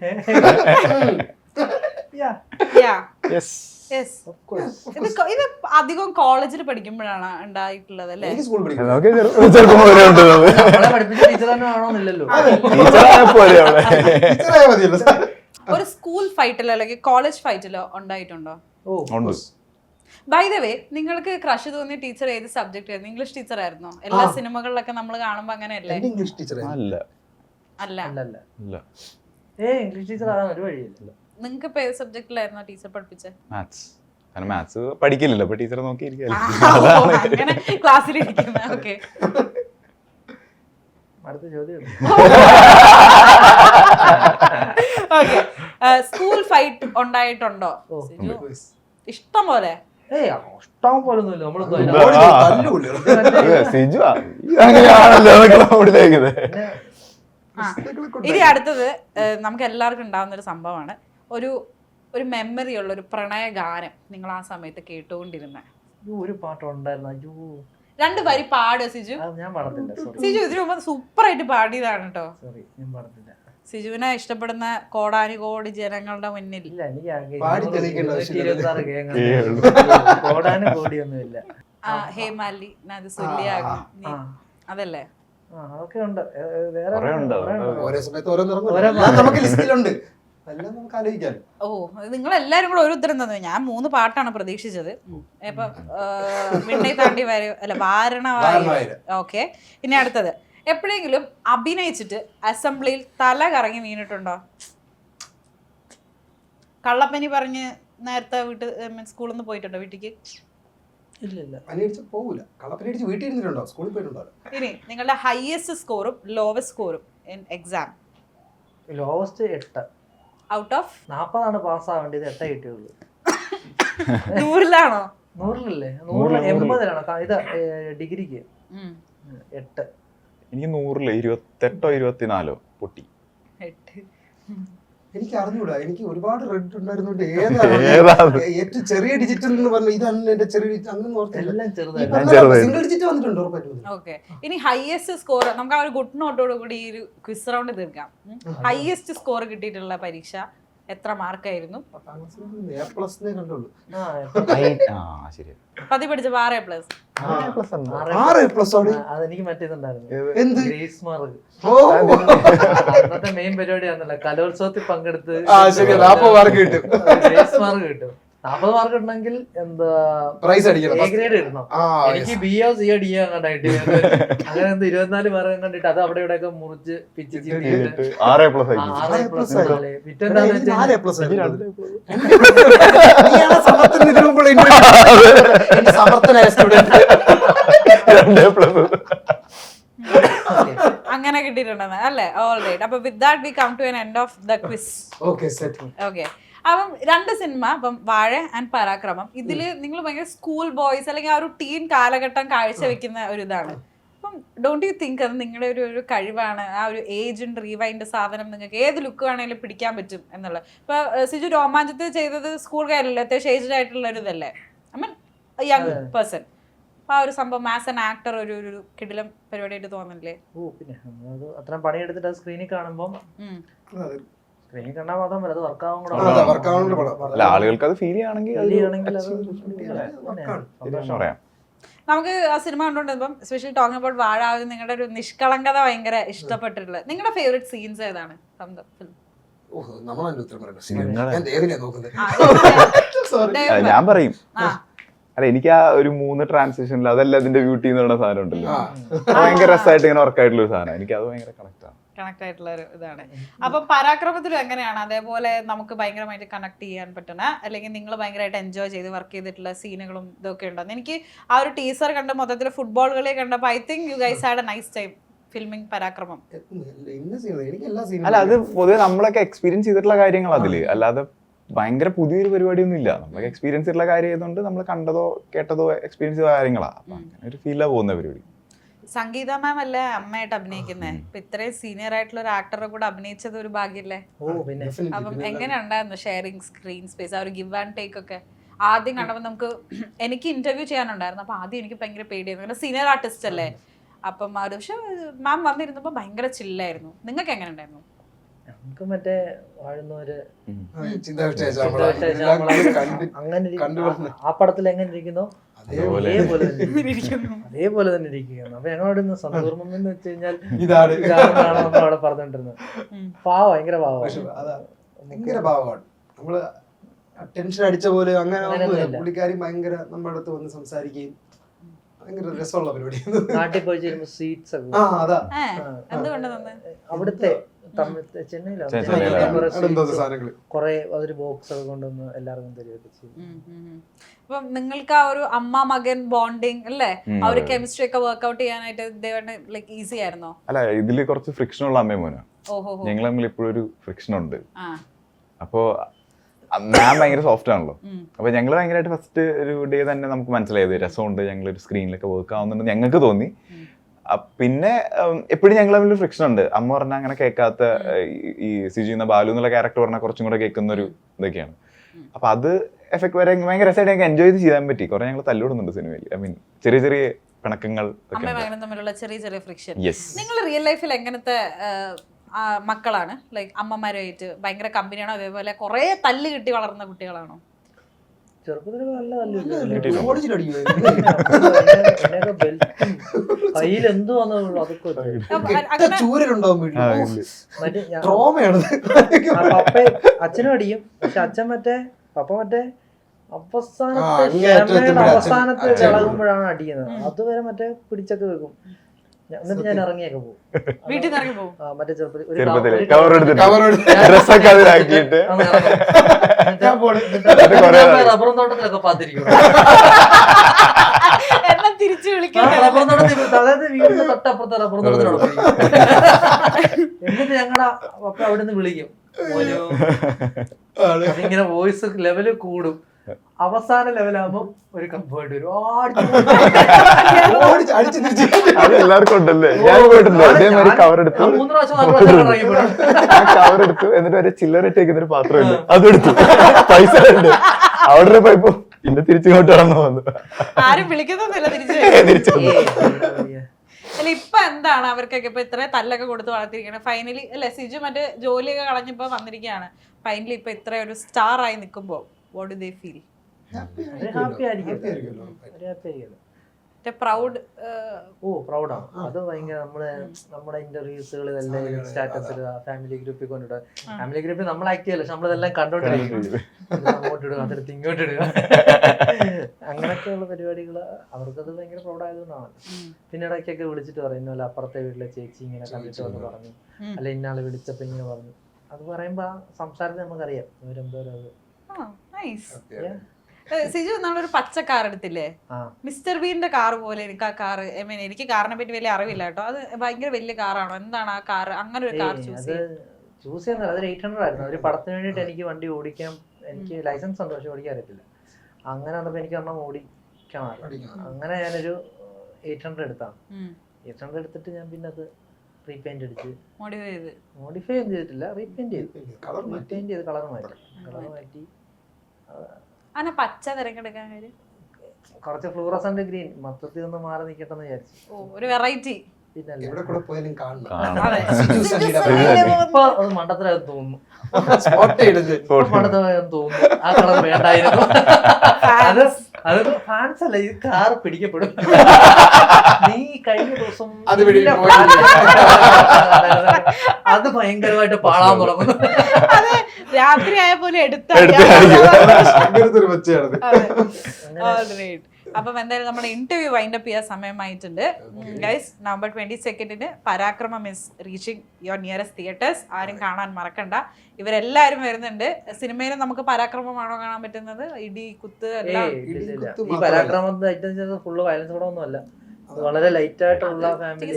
Speaker 1: ഇത് അധികം കോളേജിൽ പഠിക്കുമ്പോഴാണ് ഉണ്ടായിട്ടുള്ളത് അല്ലേ?
Speaker 4: എനിക്ക് സ്കൂൾ പഠിക്കും.
Speaker 3: ചെറുപ്പം പോലെ ഉണ്ട്
Speaker 2: പഠിപ്പിച്ച ടീച്ചർ തന്നെ ആണോന്നില്ലല്ലോ.
Speaker 1: ഒരു സ്കൂൾ ഫൈറ്റിലോ അല്ലെങ്കിൽ കോളേജ് ഫൈറ്റിലോ ഉണ്ടായിട്ടുണ്ടോ? ബൈ ദ വേ, നിങ്ങൾക്ക് ക്രഷ് തോന്നിയ ടീച്ചർ ഏത് സബ്ജക്ട് ആയിരുന്നു? ഇംഗ്ലീഷ് ടീച്ചർ ആയിരുന്നോ? എല്ലാ സിനിമകളിലൊക്കെ നമ്മൾ കാണുമ്പോ അങ്ങനെയല്ലേ?
Speaker 4: ഇംഗ്ലീഷ് ടീച്ചർ
Speaker 1: അല്ല.
Speaker 2: ഇംഗ്ലീഷ് ടീച്ചർ ആകാൻ ഒരു വഴിയില്ല.
Speaker 1: നിങ്ങൾക്ക് ഇപ്പൊ ഏത് സബ്ജക്റ്റിലായിരുന്നോ ടീച്ചർ പഠിപ്പിച്ചത്?
Speaker 3: മാത്സ് പഠിക്കില്ലല്ലോ, അപ്പൊ ടീച്ചറെ നോക്കിയിരിക്കും.
Speaker 1: അങ്ങനെ ക്ലാസ്സിലിരിക്കുന്ന. ഓക്കെ,
Speaker 2: അടുത്ത ചോദ്യം.
Speaker 1: ഓക്കെ, സ്കൂൾ ഫൈറ്റ് ഉണ്ടായിട്ടുണ്ടോ? ഇഷ്ടം പോലെ?
Speaker 2: ഇഷ്ടം പോലൊന്നുമില്ല. നമ്മളൊന്നും
Speaker 1: ഇനി അടുത്തത് നമുക്ക് എല്ലാവർക്കും ഉണ്ടാവുന്ന ഒരു സംഭവമാണ്. ഒരു മെമ്മറി ഉള്ള ഒരു പ്രണയ ഗാനം നിങ്ങൾ ആ സമയത്ത് കേട്ടുകൊണ്ടിരുന്ന
Speaker 2: ഒരു പാട്ട് ഉണ്ടായിരുന്നു. അയ്യോ,
Speaker 1: 2 വരി പാടുക സിജു.
Speaker 2: ഞാൻ പാടത്തില്ല.
Speaker 1: സിജു ഇതിനു മുമ്പ് സൂപ്പർ ആയിട്ട് പാടിയതാണ് കേട്ടോ.
Speaker 2: സോറി, ഞാൻ പാടത്തില്ല.
Speaker 1: സിജുവിനെ ഇഷ്ടപ്പെടുന്ന കോടാനുകോടി ജനങ്ങളുടെ മുന്നിൽ
Speaker 2: ഇല്ല, കോടാനുകോടിയൊന്നുമില്ല.
Speaker 1: ഹേമാലി അത് സുല്യാകും അതല്ലേ?
Speaker 2: അതൊക്കെ ഉണ്ട്.
Speaker 4: ഓരോ സമയത്ത് നമുക്ക് ലിസ്റ്റിലുണ്ട്. എല്ലാം നമുക്ക് ആലോചിക്കാം.
Speaker 1: ഓ, നിങ്ങൾ എല്ലാരും കൂടെ ഒരു ഉത്തരം തന്നു. ഞാൻ 3 പാട്ടാണ് പ്രതീക്ഷിച്ചത്. ഇപ്പൊ വിണ്ണை താണ്ടി വാരണവായി. ഓക്കെ, ഇനി അടുത്തത്, എപ്പോഴെങ്കിലും അഭിനയിച്ചിട്ട് അസംബ്ലിയിൽ തല കറങ്ങി വീണിട്ടുണ്ടോ? കള്ളപ്പനി പറഞ്ഞ് നേരത്തെ സ്കൂളിൽ നിന്ന് പോയിട്ടുണ്ടോ വീട്ടിക്ക്?
Speaker 2: ഇല്ല,
Speaker 4: പോകൂല. കളപ്പനടിച്ച് വീട്ടിൽ ഇരുന്നിട്ടുണ്ടോ? സ്കൂളിൽ പോയിട്ടുണ്ടോ?
Speaker 1: ഇനി നിങ്ങളുടെ ഹയസ്റ്റ് സ്കോറും ലോവസ്റ്റ് സ്കോറും in exam?
Speaker 2: Lowest 8
Speaker 1: out of
Speaker 2: 40 പാസ്സാവേണ്ടത് 8 കിട്ടിയുള്ളൂ.
Speaker 1: 100-ലാണോ?
Speaker 2: 100-ലല്ലേ? 180-ലാണ്. ഇത് ഡിഗ്രിക്ക് 8.
Speaker 3: എനിക്ക് 100-ല് 28 24 പൊട്ടി.
Speaker 4: എനിക്ക് അറിഞ്ഞൂടാ. എനിക്ക് ഒരുപാട് റെഡ് ഉണ്ടായിരുന്നുണ്ട്. ഏതാണ് ഏറ്റവും ചെറിയ ഡിജിറ്റ് എന്ന് പറഞ്ഞു? ഇതാണ് എന്റെ ചെറിയ ഡിജിറ്റ്. അങ്ങനെ സിംഗിൾ ഡിജിറ്റ് വന്നിട്ടുണ്ടോ?
Speaker 1: ഓക്കെ, ഇനി ഹയസ്റ്റ് സ്കോർ നമുക്ക് ആ ഒരു ഗുഡ് നോട്ടോട് കൂടി ഈ ഒരു ക്വിസ് റൗണ്ട് തീർക്കാം. ഹയസ്റ്റ് സ്കോർ കിട്ടിയിട്ടുള്ള പരീക്ഷ എത്ര മാർക്കായിരുന്നു?
Speaker 4: 10A+ കണ്ടുള്ളൂ.
Speaker 1: പതി പഠിച്ചപ്പോ 6A+.
Speaker 2: അതെനിക്ക് മറ്റേതുണ്ടായിരുന്നു.
Speaker 4: എന്ത്?
Speaker 2: Grace mark. അന്നത്തെ മെയിൻ പരിപാടി ആണല്ലോ, കലോത്സവത്തിൽ പങ്കെടുത്ത് ഗ്രേസ് മാർക്ക് കിട്ടും. 40 മാർക്ക് ഉണ്ടെങ്കിൽ എന്താ
Speaker 4: പ്രൈസ് അടിക്കണം,
Speaker 2: എ ഗ്രേഡ് കിട്ടണം. എനിക്ക് BO CO DO കണ്ടായിട്ട് അങ്ങനെ എന്ത് 24 മാർക്ക് കണ്ടിട്ട് അത് അവിടെ ഇവിടെ ഒക്കെ മുറിച്ച് പിച്ച് ചെയ്തിട്ട്
Speaker 3: 6A+.
Speaker 1: അങ്ങനെ കിട്ടിയിട്ടുണ്ടെന്ന് അല്ലേ? ഓൾറൈറ്റ്. അപ്പൊ with that we come to an end of the quiz. Okay, അപ്പം 2 സിനിമ, അപ്പം വാഴ ആൻഡ് പരാക്രമം, ഇതില് നിങ്ങൾ ഭയങ്കര സ്കൂൾ ബോയ്സ് അല്ലെങ്കിൽ ആ ഒരു ടീൻ കാലഘട്ടം കാഴ്ചവെക്കുന്ന ഒരു ഇതാണ്. അപ്പം ഡോണ്ട് യു തിങ്ക് അത് നിങ്ങളുടെ ഒരു കഴിവാണ്? ആ ഒരു ഏജ് ആൻഡ് റീവൈൻഡ് സാധനം നിങ്ങൾക്ക് ഏത് ലുക്ക് വേണമെങ്കിലും പിടിക്കാൻ പറ്റും എന്നുള്ളത്. ഇപ്പൊ സിജു രോമാഞ്ചത്തിൽ ചെയ്തത് സ്കൂൾ കാലല്ലേ, അത്യാവശ്യം ഏജ്ഡ് ആയിട്ടുള്ള ഒരു ഇതല്ലേ? I mean young person. അപ്പൊ ആ ഒരു സംഭവം ആസ് ആൻ ആക്ടർ ഒരു കിടിലം പരിപാടിയായിട്ട് തോന്നില്ലേ?
Speaker 2: ഓ പിന്നെ നമ്മളത് അത്രയും പണിയെടുത്തിട്ട് അത് സ്ക്രീനിൽ കാണുമ്പോൾ സ്ക്രീനിൽ കണ്ടാൽ മാത്രം അത് വർക്കാവും കൂടെ
Speaker 3: അല്ല, ആളുകൾക്ക് അത് ഫീൽ ചെയ്യുകയാണെങ്കിൽ പറയാം.
Speaker 1: നമുക്ക് ആ സിനിമ കണ്ടുകൊണ്ടിരുമ്പം സ്പെഷ്യലി ടോക്കിംഗ് അബൌട്ട് വാഴ, നിങ്ങളുടെ ഒരു നിഷ്കളങ്കത ഭയങ്കര ഇഷ്ടപ്പെട്ടിട്ടുള്ളത്. നിങ്ങളുടെ ഫേവറേറ്റ് സീൻസ് ഏതാണ് ഫ്രം ദ ഫിലിം?
Speaker 3: ഞാൻ പറയും. അല്ല, എനിക്ക് ആ ഒരു 3 ട്രാൻസിഷനിൽ അതല്ല അതിന്റെ ബ്യൂട്ടി എന്ന് പറയുന്ന സാധനം ഉണ്ടല്ലോ, ഭയങ്കര രസമായിട്ട് ഇങ്ങനെ വർക്കായിട്ടുള്ള ഒരു സാധനം. എനിക്ക് അത് ഭയങ്കര
Speaker 1: കണക്ട് ആയിട്ടുള്ള ഒരു ഇതാണ്. അപ്പൊ പരാക്രമത്തിലും എങ്ങനെയാണ് അതേപോലെ നമുക്ക് ഭയങ്കരമായിട്ട് കണക്ട് ചെയ്യാൻ പറ്റുന്ന, അല്ലെങ്കിൽ നിങ്ങൾ ഭയങ്കരമായിട്ട് എൻജോയ് ചെയ്ത് വർക്ക് ചെയ്തിട്ടുള്ള സീനുകളും ഇതൊക്കെ ഉണ്ടെന്ന് എനിക്ക് ആ ഒരു ടീസർ കണ്ട് മൊത്തത്തിൽ ഫുട്ബോൾ കളി കണ്ടപ്പോൾ I think you guys had a nice time filming Parakramam.
Speaker 3: അല്ല, അത് പൊതുവെ നമ്മളൊക്കെ എക്സ്പീരിയൻസ് ചെയ്തിട്ടുള്ള കാര്യങ്ങൾ അതില്, അല്ലാതെ ഭയങ്കര പുതിയൊരു പരിപാടിയൊന്നും ഇല്ല. നമ്മളൊക്കെ എക്സ്പീരിയൻസ് ചെയ്തിട്ടുള്ള കാര്യം ആയതുകൊണ്ട് നമ്മൾ കണ്ടതോ കേട്ടതോ എക്സ്പീരിയൻസ് ചെയ്ത കാര്യങ്ങളാണ്. അപ്പൊ അങ്ങനെ ഒരു ഫീലാ പോകുന്ന പരിപാടി.
Speaker 1: സംഗീത മാം അല്ലേ അമ്മയായിട്ട് അഭിനയിക്കുന്നത്? ഇപ്പൊ ഇത്രയും സീനിയർ ആയിട്ടുള്ള ഒരു ആക്ടറെ കൂടെ അഭിനയിച്ചത് ഒരു ഭാഗ്യല്ലേ? അപ്പം എങ്ങനെ ഉണ്ടായിരുന്നു ഷെയറിങ് സ്ക്രീൻ സ്പേസ്, ആ ഒരു ഗിവ് ആൻഡ് ടേക്ക് ഒക്കെ? ആദ്യം കണ്ടപ്പോൾ നമുക്ക് എനിക്ക് ഇന്റർവ്യൂ ചെയ്യാനുണ്ടായിരുന്നു. അപ്പൊ ആദ്യം എനിക്ക് ഭയങ്കര പേടിയായിരുന്നു, സീനിയർ ആർട്ടിസ്റ്റ് അല്ലേ. അപ്പം ആ ഒരു പക്ഷെ മാം വന്നിരുന്നപ്പോൾ ഭയങ്കര ചില്ലായിരുന്നു. നിങ്ങൾക്ക് എങ്ങനെ ഉണ്ടായിരുന്നു?
Speaker 2: നമുക്ക് മറ്റേ വാഴുന്നവര് അങ്ങനെ ആ പടത്തിൽ എങ്ങനെ ഇരിക്കുന്നോ അതേപോലെ തന്നെ ഇരിക്കുന്നു. അപ്പൊ ഞങ്ങളോട് സന്തോർമ്മം എന്ന് വെച്ച് കഴിഞ്ഞാൽ ഇതാണെന്നാണ് നമ്മൾ അവിടെ പറഞ്ഞോണ്ടിരുന്നത്. ഭയങ്കര
Speaker 4: പാവമാണ്. നമ്മള് ടെൻഷൻ അടിച്ച പോലെ അങ്ങനെ പുള്ളിക്കാരി ഭയങ്കര നമ്മുടെ അടുത്ത് വന്ന് സംസാരിക്കുകയും ഭയങ്കര രസമുള്ള പരിപാടി.
Speaker 2: നാട്ടിൽ പോയി ചേരുമ്പോ സ്വീറ്റ്സ് ഒക്കെ അവിടുത്തെ കൊറേ അതൊരു ബോക്സ് ഒക്കെ കൊണ്ടുവന്ന് എല്ലാവർക്കും തരുകയൊക്കെ ചെയ്യും.
Speaker 1: അപ്പം നിങ്ങൾക്ക് ആ ഒരു അമ്മ മകൻ ബോണ്ടിങ് അല്ലേ, ആ ഒരു കെമിസ്ട്രി ഒക്കെ വർക്ക്ഔട്ട് ചെയ്യാനായിട്ട് ലൈക്ക് ഈസി ആയിരുന്നോ?
Speaker 3: അല്ല, ഇതില് കുറച്ച് ഫ്രിക്ഷൻ ഉള്ള അമ്മയും മോനാ. ഞങ്ങൾ തമ്മിൽ ഇപ്പോഴും ഒരു ഫ്രിക്ഷൻ ഉണ്ട്. അപ്പോ ഞാൻ ഭയങ്കര സോഫ്റ്റ് ആണല്ലോ. അപ്പൊ ഞങ്ങൾ ഭയങ്കരമായിട്ട് ഫസ്റ്റ് ഒരു ഡേ തന്നെ നമുക്ക് മനസ്സിലായത് രസമുണ്ട്, ഞങ്ങൾ ഒരു സ്ക്രീനിലൊക്കെ വർക്ക് ആവുന്നുണ്ട് ഞങ്ങൾക്ക് തോന്നി. പിന്നെ എപ്പോഴും ഞങ്ങൾ തമ്മിൽ ഫ്രിക്ഷൻ ഉണ്ട്. അമ്മ പറഞ്ഞാൽ അങ്ങനെ കേൾക്കാത്ത, ഈ സിജു എന്ന ബാലു എന്നുള്ള ക്യാരക്ടർ പറഞ്ഞാൽ കുറച്ചും കൂടെ കേൾക്കുന്ന ഒരു ഇതൊക്കെയാണ്. അപ്പൊ അത് എഫക്ട് വരെ ഭയങ്കര രസമായിട്ട് ഞങ്ങൾക്ക് എൻജോയ് ചെയ്ത് ചെയ്യാൻ പറ്റി. കുറെ ഞങ്ങൾ തല്ലുവിടുന്നുണ്ട് സിനിമയിൽ. ഐ മീൻ ചെറിയ ചെറിയ പിണക്കങ്ങൾ
Speaker 1: തമ്മിലുള്ള ചെറിയ ചെറിയ ഫ്രിക്ഷൻ. നിങ്ങൾ റിയൽ ലൈഫിൽ എങ്ങനത്തെ മക്കളാണ്? ലൈക്ക് അമ്മമാരുമായിട്ട് ഭയങ്കര കമ്പനിയാണോ, അതേപോലെ കുറെ തല്ല് കിട്ടി വളർന്ന കുട്ടികളാണോ?
Speaker 2: ചെറുപ്പത്തിൽ നല്ല കയ്യിൽ എന്ത് വന്നുള്ളൂ അതൊക്കെ അച്ഛനും അടിയും. പക്ഷെ അച്ഛൻ പപ്പ അവസാനത്തെ ചളകുമ്പോഴാണ് അടിക്കുന്നത്. അതുവരെ പിടിച്ചൊക്കെ വെക്കും. എന്നിട്ട് ഞാൻ ഇറങ്ങിയൊക്കെ പോകും.
Speaker 1: വീട്ടിൽ നിന്ന് ഇറങ്ങി പോകും.
Speaker 2: മറ്റേ ചെറുപ്പത്തിൽ റബ്ബറും തോട്ടത്തിലൊക്കെ പാത്തിരിക്കും.
Speaker 1: തിരിച്ചു വിളിക്കാം.
Speaker 2: റബ്ബറും തോട്ടത്തിൽ, അതായത് വീടിന്റെ തൊട്ടപ്പുറത്തെ റബ്ബറും തോട്ടത്തിലാണ്. എന്നിട്ട് ഞങ്ങളുടെ പപ്പ അവിടെ നിന്ന് വിളിക്കും. അതിങ്ങനെ വോയിസ് ലെവല് കൂടും. അവസാന ലെവലാകുമ്പോ ഒരു കമ്പോയിട്ട് വരും.
Speaker 3: എല്ലാവർക്കും ഉണ്ടല്ലേ? ഞാൻ പോയിട്ടുണ്ട്. അതേമാതിരി കവറെടുത്തു എന്നിട്ട് ഒരു ചില്ലറിട്ടേക്കുന്നൊരു പാത്രമുണ്ട്, അതെടുത്തു. പൈസ ഉണ്ട് അവിടെ പോയപ്പോ പിന്നെ തിരിച്ചിങ്ങോട്ട് കടന്നു വന്നു.
Speaker 1: ആരും വിളിക്കുന്നൊന്നുമില്ല തിരിച്ചു. അല്ല, ഇപ്പൊ എന്താണ് അവർക്കൊക്കെ ഇപ്പൊ ഇത്ര തല്ലൊക്കെ കൊടുത്ത് വളർത്തിരിക്കണം ഫൈനലി അല്ലെ? സിജു മറ്റേ ജോലിയൊക്കെ കളഞ്ഞപ്പോ വന്നിരിക്കുകയാണ്. ഫൈനലി ഇപ്പൊ ഇത്ര ഒരു സ്റ്റാർ ആയി നിൽക്കുമ്പോ what do they feel?
Speaker 2: Happy ആയിരിക്കും.
Speaker 1: പ്രൗഡ്.
Speaker 2: പ്രൗഡാണ്. അത് ഭയങ്കര നമ്മുടെ ഇന്റർവ്യൂസുകളിൽ എല്ലാം സ്റ്റാറ്റസ് ഇടുക, ഫാമിലി ഗ്രൂപ്പിൽ കൊണ്ടിടുക. ഫാമിലി ഗ്രൂപ്പിൽ നമ്മൾ ആക്ട് ചെയ്യല്ല, പക്ഷെ നമ്മളിതെല്ലാം കണ്ടോണ്ടിരിക്കും. അങ്ങോട്ട് ഇടുക, അതെടുത്ത് ഇങ്ങോട്ട് ഇടുക, അങ്ങനെയൊക്കെയുള്ള പരിപാടികൾ അവർക്കത് ഭയങ്കര പ്രൗഡായതുകൊണ്ടാണ്. പിന്നെ ഇടയ്ക്കൊക്കെ വിളിച്ചിട്ട് പറയും, ഇന്നലെ അപ്പുറത്തെ വീട്ടിലെ ചേച്ചി ഇങ്ങനെ കണ്ടിട്ട് വന്ന് പറഞ്ഞു, അല്ലെ ഇന്നാള് വിളിച്ചപ്പോ ഇങ്ങനെ പറഞ്ഞു. അത് പറയുമ്പോ ആ സംസാരത്തിൽ നമുക്കറിയാം ഇവരെന്തോരം അത്.
Speaker 1: സിജു നമ്മളൊരു പച്ച കാർ എടുത്തില്ലേ, മിസ്റ്റർ ബീന്റെ കാർ പോലെ. എനിക്ക് ആ കാർ, ഐ മീൻ എനിക്ക് കാറിനെ പറ്റി വലിയ അറിവില്ല കേട്ടോ. അത് ഭയങ്കര വലിയ കാറാണോ? എന്താണ് ആ കാർ? അങ്ങനെ ഒരു കാർ ചൂസ്
Speaker 2: ചെയ്യുന്നത്? അതൊരു 800 ആയിരുന്നു. ഒരു പടത്തിന് വേണ്ടിയിട്ട് എനിക്ക് വണ്ടി ഓടിക്കാൻ, എനിക്ക് ലൈസൻസ് ഉണ്ട് പക്ഷെ ഓടിക്കാൻ അറിയത്തില്ല. അങ്ങനെ വന്നപ്പോ എനിക്ക് ഒരെണ്ണം ഓടിക്കാൻ അറിയാം. അങ്ങനെ ഞാനൊരു 800 എടുത്താണ്. 800 എടുത്തിട്ട് ഞാൻ പിന്നെ അത് റീപെയിന്റ് അടിച്ച് മോഡിഫൈ ഒന്നും ചെയ്തിട്ടില്ല, റീപെയിന്റ് ചെയ്ത് കളർ മാറ്റി.
Speaker 1: അങ്ങനെ പച്ച തിരഞ്ഞെടുക്കാൻ കാര്യം
Speaker 2: കുറച്ച് ഫ്ലൂറസന്റ് ഗ്രീൻ മൊത്തത്തിൽ ഒന്ന് മാറി നിൽക്കട്ടെന്ന് വിചാരിച്ചു.
Speaker 1: ഒരു വെറൈറ്റി.
Speaker 2: പിന്നല്ല
Speaker 4: എവിടെ കൂടെ പോയാലും കാണണം.
Speaker 1: അതെ.
Speaker 2: ഇപ്പൊ അത് മണ്ടത്തരാന്ന് തോന്നുന്നു.
Speaker 4: സ്പോട്ട് ചെയ്തത്.
Speaker 2: ഇപ്പൊ മണ്ടത്തരാന്ന് തോന്നുന്നു. ആ കളർ വേണ്ടായിരുന്നു. അത് ഫാൻസ് അല്ല, ഇത് കാർ പിടിക്കപ്പെടും. നീ കഴിഞ്ഞ ദിവസം
Speaker 4: അത് പിടി-
Speaker 2: അത് ഭയങ്കരമായിട്ട് പാളാൻ തുടങ്ങുന്നു.
Speaker 1: അതെ, രാത്രി ആയ പോലെ
Speaker 4: അങ്ങനത്തെ ഒരു പച്ചയാണത്.
Speaker 1: അപ്പം എന്തായാലും നമ്മുടെ ഇന്റർവ്യൂ വൈൻഡപ്പ് ചെയ്യാൻ സമയമായിട്ടുണ്ട് guys. November 22 Parakramam is reaching your nearest theatres. ആരും കാണാൻ മറക്കണ്ട. ഇവരെല്ലാരും വരുന്നുണ്ട്. സിനിമയിൽ നമുക്ക് പരാക്രമമാണോ കാണാൻ പറ്റുന്നത്? ഇടി കുത്ത് എല്ലാം.
Speaker 2: ഈ പരാക്രമത്തിന്റെ ഐറ്റം ഫുള്ള് വയലൻസ് കൂടെ ഒന്നും അല്ല, വളരെ ലൈറ്റ് ആയിട്ടുള്ള ഫാമിലി.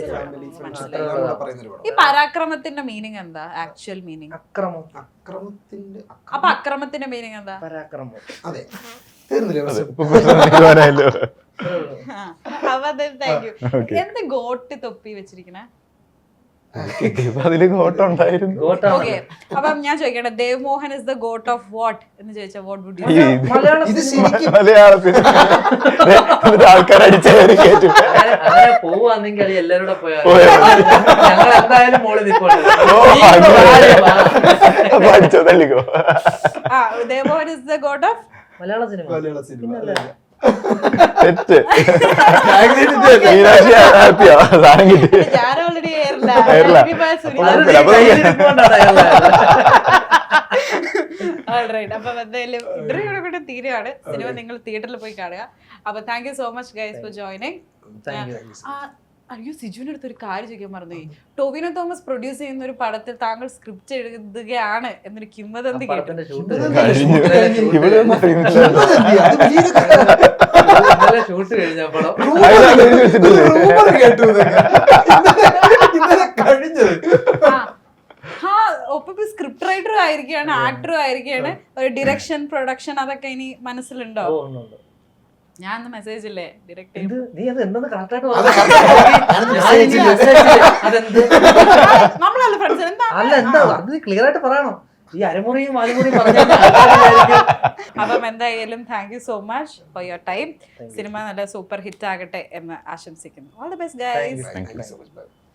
Speaker 1: ഈ പരാക്രമത്തിന്റെ മീനിങ് എന്താ? ആക്ച്വൽ മീനിങ്
Speaker 2: അക്രമം.
Speaker 4: അക്രമത്തിന്റെ
Speaker 1: അപ്പൊ അക്രമത്തിന്റെ മീനിങ് എന്താ?
Speaker 2: പരാക്രമം.
Speaker 4: അതെ, തീർന്നില്ലേ പ്രശ്നം?
Speaker 1: അപ്പൊ താങ്ക് യു. എന്ത് ഗോട്ട് തൊപ്പി വെച്ചിരിക്കണേ?
Speaker 3: അതില് കോട്ടുണ്ടായിരുന്നു.
Speaker 1: ഓക്കെ, അപ്പം ഞാൻ ചോദിക്കട്ടെ, Dev Mohan is the goat of what എന്ന് ചോദിച്ചാൽ വാട്ട് വുഡ് യു?
Speaker 4: ഇത് ശരിക്കും
Speaker 3: മലയാളത്തിൽ ആൾക്കാർ അടിച്ചേറി കേട്ടു.
Speaker 2: അങ്ങനെ പോവാന്നെങ്കിൽ അത് എല്ലാവരും കൂടെ പോയാൽ ഞങ്ങൾ എന്തായാലും മോളിൽ നിൽപ്പുണ്ട്.
Speaker 3: അടിച്ചോ തള്ളിക്കോ.
Speaker 1: Dev Mohan is the goat of
Speaker 2: Malayala cinema.
Speaker 4: Malayala cinema
Speaker 3: തെറ്റ്. മീനാക്ഷി ഹാപ്പിയാ, സാധനം കിട്ടി.
Speaker 1: ഞാൻ ഓൾറെഡി
Speaker 3: കേരള.
Speaker 1: അപ്പൊ എന്തായാലും ഇന്റർവ്യൂ കൂടെ തീരുകയാണ്. സിനിമ നിങ്ങൾ തിയേറ്ററിൽ പോയി കാണുക. അപ്പൊ thank you so much guys for joining. അയ്യോ, സിജുവിന്റെ അടുത്ത് ഒരു കാര്യം ചോദിക്കാൻ മറന്നു. ടോവിനോ തോമസ് പ്രൊഡ്യൂസ് ചെയ്യുന്ന ഒരു പടത്തിൽ താങ്കൾ സ്ക്രിപ്റ്റ് എഴുതുകയാണ് എന്നൊരു കിംവദന്തി കേട്ടു.
Speaker 3: ഇവിടെ ഒന്നും അറിയുന്നില്ല.
Speaker 2: ഷൂട്ട് കഴിഞ്ഞപ്പോഴോ
Speaker 4: കേട്ടു കഴിഞ്ഞത്.
Speaker 1: ഒപ്പം സ്ക്രിപ്റ്റ് റൈറ്ററും ആയിരിക്കുകയാണ്, ആക്ടറും ആയിരിക്കുകയാണ്. ഒരു ഡിറക്ഷൻ, പ്രൊഡക്ഷൻ അതൊക്കെ ഇനി മനസ്സിലുണ്ടോ? ഞാൻ മെസ്സേജ് ഇല്ലേ ഡയറക്റ്റ്
Speaker 2: നീ അത് എന്തെന്ന് കറക്റ്റായിട്ട്
Speaker 1: നമ്മളല്ല ഫ്രണ്ട്സ്. എന്താ
Speaker 2: അല്ല എന്താ അത് ക്ലിയർ ആയിട്ട് പറയണം. ഈ അരമുറിയും വാലുമുറിയും പറഞ്ഞു.
Speaker 1: അപ്പം എന്തായാലും thank you so much for your time. Cinema നല്ല സൂപ്പർ ഹിറ്റ് ആകട്ടെ എന്ന് ആശംസിക്കുന്നു. All the best guys.
Speaker 3: Thank you so much.